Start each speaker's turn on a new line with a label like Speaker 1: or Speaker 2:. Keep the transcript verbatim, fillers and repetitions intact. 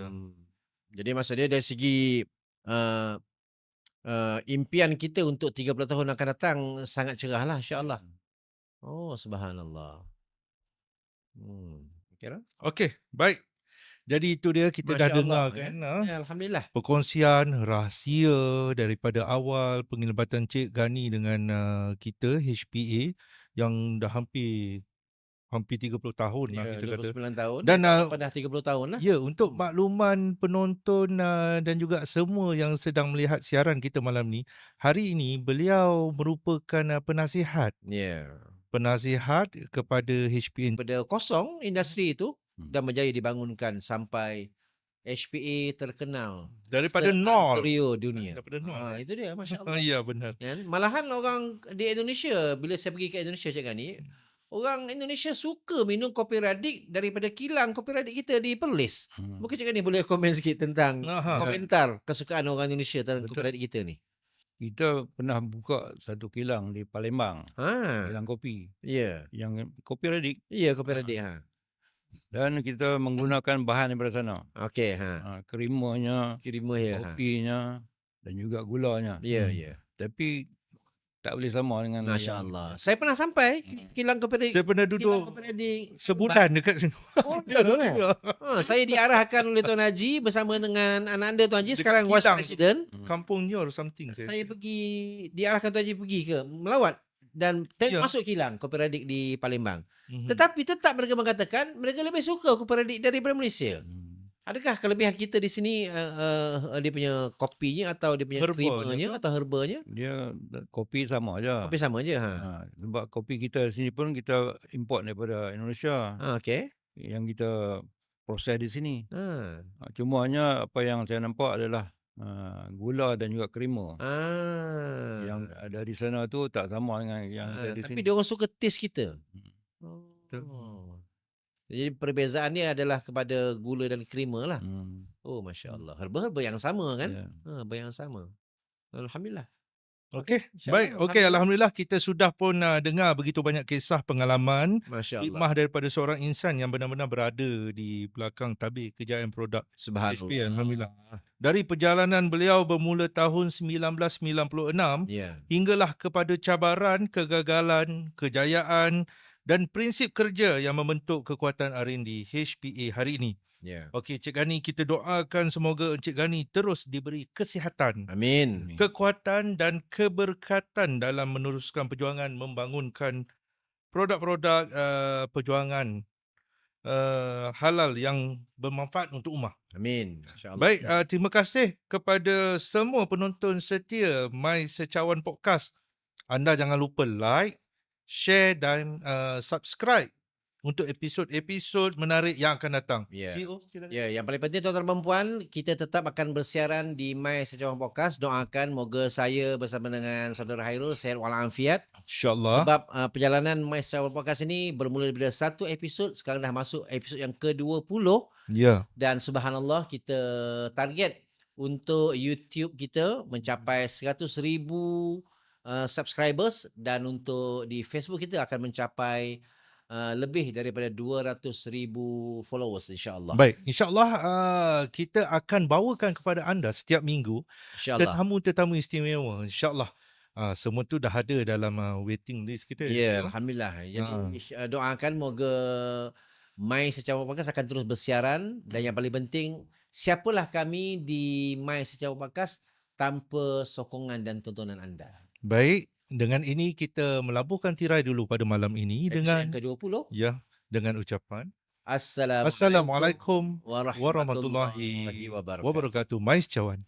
Speaker 1: Hmm. Jadi maksudnya dari segi uh, uh, impian kita untuk tiga puluh tahun akan datang sangat cerahlah insya-Allah.
Speaker 2: Hmm.
Speaker 1: Oh, subhanallah. Hmm. Kira?
Speaker 2: Okey, baik. Jadi itu dia kita dah
Speaker 1: Masya-Allah
Speaker 2: dengar
Speaker 1: ya.
Speaker 2: kan ah,
Speaker 1: Ya, alhamdulillah.
Speaker 2: perkongsian rahsia daripada awal penglibatan Cik Gani dengan uh, kita H P A yang dah hampir hampir tiga puluh tahun lah
Speaker 1: Ya,
Speaker 2: kita
Speaker 1: dua puluh
Speaker 2: kata.
Speaker 1: sembilan tahun,
Speaker 2: Dan
Speaker 1: tahun
Speaker 2: uh,
Speaker 1: depan dah tiga puluh tahun lah.
Speaker 2: ya, untuk
Speaker 1: Hmm.
Speaker 2: makluman penonton uh, dan juga semua yang sedang melihat siaran kita malam ni, hari ini beliau merupakan uh, penasihat
Speaker 1: Ya.
Speaker 2: penasihat kepada H P A.
Speaker 1: Daripada kosong industri itu
Speaker 2: Hmm.
Speaker 1: dan berjaya dibangunkan sampai H P A terkenal
Speaker 2: Daripada nol.
Speaker 1: seantero dunia.
Speaker 2: Daripada nol.
Speaker 1: Ah,
Speaker 2: Eh?
Speaker 1: itu dia, masya-Allah.
Speaker 2: Ya, benar.
Speaker 1: Kan? Malahan orang di Indonesia, bila saya pergi ke Indonesia Cik Gani, orang Indonesia suka minum kopi radik daripada kilang kopi radik kita di Perlis.
Speaker 2: Hmm.
Speaker 1: Mungkin Cik Gani boleh komen sikit tentang
Speaker 2: Aha.
Speaker 1: komentar kesukaan orang Indonesia tentang kopi
Speaker 3: Betul.
Speaker 1: radik kita ni.
Speaker 3: Kita pernah buka satu kilang di Palembang,
Speaker 1: Ha.
Speaker 3: kilang kopi
Speaker 1: Ya.
Speaker 3: yang kopi radik,
Speaker 1: Ya, kopi radik ha.
Speaker 3: dan kita menggunakan bahan daripada sana.
Speaker 1: Okey ha.
Speaker 3: Ha, kerimanya,
Speaker 1: Kirima ya ha.
Speaker 3: kopinya dan juga gulanya.
Speaker 1: Ya,
Speaker 2: Hmm.
Speaker 1: ya.
Speaker 3: Tapi tak boleh sama dengan yang
Speaker 1: Masya-Allah. Saya pernah sampai kilang kopi radik.
Speaker 2: Saya pernah
Speaker 1: Kilang
Speaker 2: duduk
Speaker 1: kopi radik
Speaker 2: sebulan dekat sini.
Speaker 1: Oh, ya, ya. Ha, saya diarahkan oleh Tuan Haji bersama dengan anak anda Tuan Haji,
Speaker 2: Dekat
Speaker 1: sekarang Vice
Speaker 2: kilang.
Speaker 1: President.
Speaker 3: Hmm.
Speaker 2: Kampung Nyor something saya.
Speaker 1: Saya pergi, diarahkan Tuan Haji pergi ke melawat dan tengok
Speaker 2: Ya.
Speaker 1: masuk kilang kopi radik di Palembang.
Speaker 2: Mhm.
Speaker 1: Tetapi tetap mereka mengatakan mereka lebih suka kopi radik daripada Malaysia.
Speaker 3: Hmm.
Speaker 1: Adakah kelebihan kita di sini uh, uh, dia punya kopinya atau dia punya
Speaker 2: Herbanya
Speaker 1: creamernya
Speaker 2: ke?
Speaker 1: atau herbanya?
Speaker 3: Dia kopi sama aja.
Speaker 1: Kopi sama je ha.
Speaker 3: Ha, sebab kopi kita sini pun kita import daripada Indonesia,
Speaker 1: Ha, okey.
Speaker 3: yang kita proses di sini.
Speaker 1: Ha.
Speaker 3: Ha, cuma hanya apa yang saya nampak adalah uh, gula dan juga krema.
Speaker 1: Ah.
Speaker 3: Yang ada di sana tu tak sama dengan yang
Speaker 1: Ah,
Speaker 3: ada di
Speaker 1: tapi
Speaker 3: sini.
Speaker 1: dia orang suka taste kita.
Speaker 3: Hmm.
Speaker 1: Oh. Jadi perbezaannya adalah kepada gula dan krema lah.
Speaker 3: Hmm.
Speaker 1: Oh, masya-Allah. Herba-herba yang sama kan?
Speaker 3: Ya.
Speaker 1: Ha, herba yang sama. Alhamdulillah.
Speaker 2: Okey,
Speaker 1: InsyaAllah,
Speaker 2: baik. Okey,
Speaker 1: alhamdulillah.
Speaker 2: alhamdulillah kita sudah pun uh, dengar begitu banyak kisah pengalaman,
Speaker 1: Masya-Allah.
Speaker 2: hikmah daripada seorang insan yang benar-benar berada di belakang tabir kejayaan produk H P A.
Speaker 1: Subhanallah.
Speaker 2: Alhamdulillah. Dari perjalanan beliau bermula tahun sembilan belas sembilan puluh enam
Speaker 1: Ya.
Speaker 2: hinggalah kepada cabaran, kegagalan, kejayaan dan prinsip kerja yang membentuk kekuatan R and D H P A hari ini.
Speaker 1: Ya.
Speaker 2: Okey, Cik Gani, kita doakan semoga Encik Gani terus diberi kesihatan,
Speaker 1: Amin.
Speaker 3: Amin.
Speaker 2: kekuatan dan keberkatan dalam meneruskan perjuangan membangunkan produk-produk uh, perjuangan uh, halal yang bermanfaat untuk ummah.
Speaker 1: Amin. Masya-Allah.
Speaker 2: Baik, uh, terima kasih kepada semua penonton setia My Secawan Podcast. Anda jangan lupa like, share dan uh, subscribe untuk episod-episod menarik yang akan datang.
Speaker 1: Ya.
Speaker 2: C E O, silakan.
Speaker 1: Ya, yang paling penting tuan-tuan dan puan, kita tetap akan bersiaran di My Secawan Podcast. Doakan moga saya bersama dengan saudara Hairul sehat walafiat.
Speaker 2: InsyaAllah.
Speaker 1: Sebab uh, perjalanan My Secawan Podcast ini bermula daripada satu episod, sekarang dah masuk episod yang ke dua puluh.
Speaker 2: Ya.
Speaker 1: Dan subhanallah kita target untuk YouTube kita mencapai seratus ribu uh, subscribers dan untuk di Facebook kita akan mencapai uh, lebih daripada dua ratus ribu followers insya-Allah.
Speaker 2: Baik, insyaAllah uh, kita akan bawakan kepada anda setiap minggu
Speaker 1: Insya-Allah.
Speaker 2: tetamu-tetamu istimewa. InsyaAllah. Uh, semua tu dah ada dalam uh, waiting list kita.
Speaker 1: Ya,
Speaker 2: InsyaAllah.
Speaker 1: alhamdulillah. Jadi
Speaker 2: Ha.
Speaker 1: insya- doakan moga My Secawan Podcast akan terus bersiaran dan yang paling penting siapalah kami di My Secawan Podcast tanpa sokongan dan tontonan anda.
Speaker 2: Baik, dengan ini kita melabuhkan tirai dulu pada malam ini
Speaker 1: Episod
Speaker 2: dengan
Speaker 1: yang ke dua puluh.
Speaker 2: ya dengan ucapan
Speaker 1: Assalamualaikum
Speaker 2: Assalamualaikum
Speaker 1: warahmatullahi
Speaker 2: warahmatullahi
Speaker 1: wabarakatuh.
Speaker 2: wabarakatuh. Mais Cawan.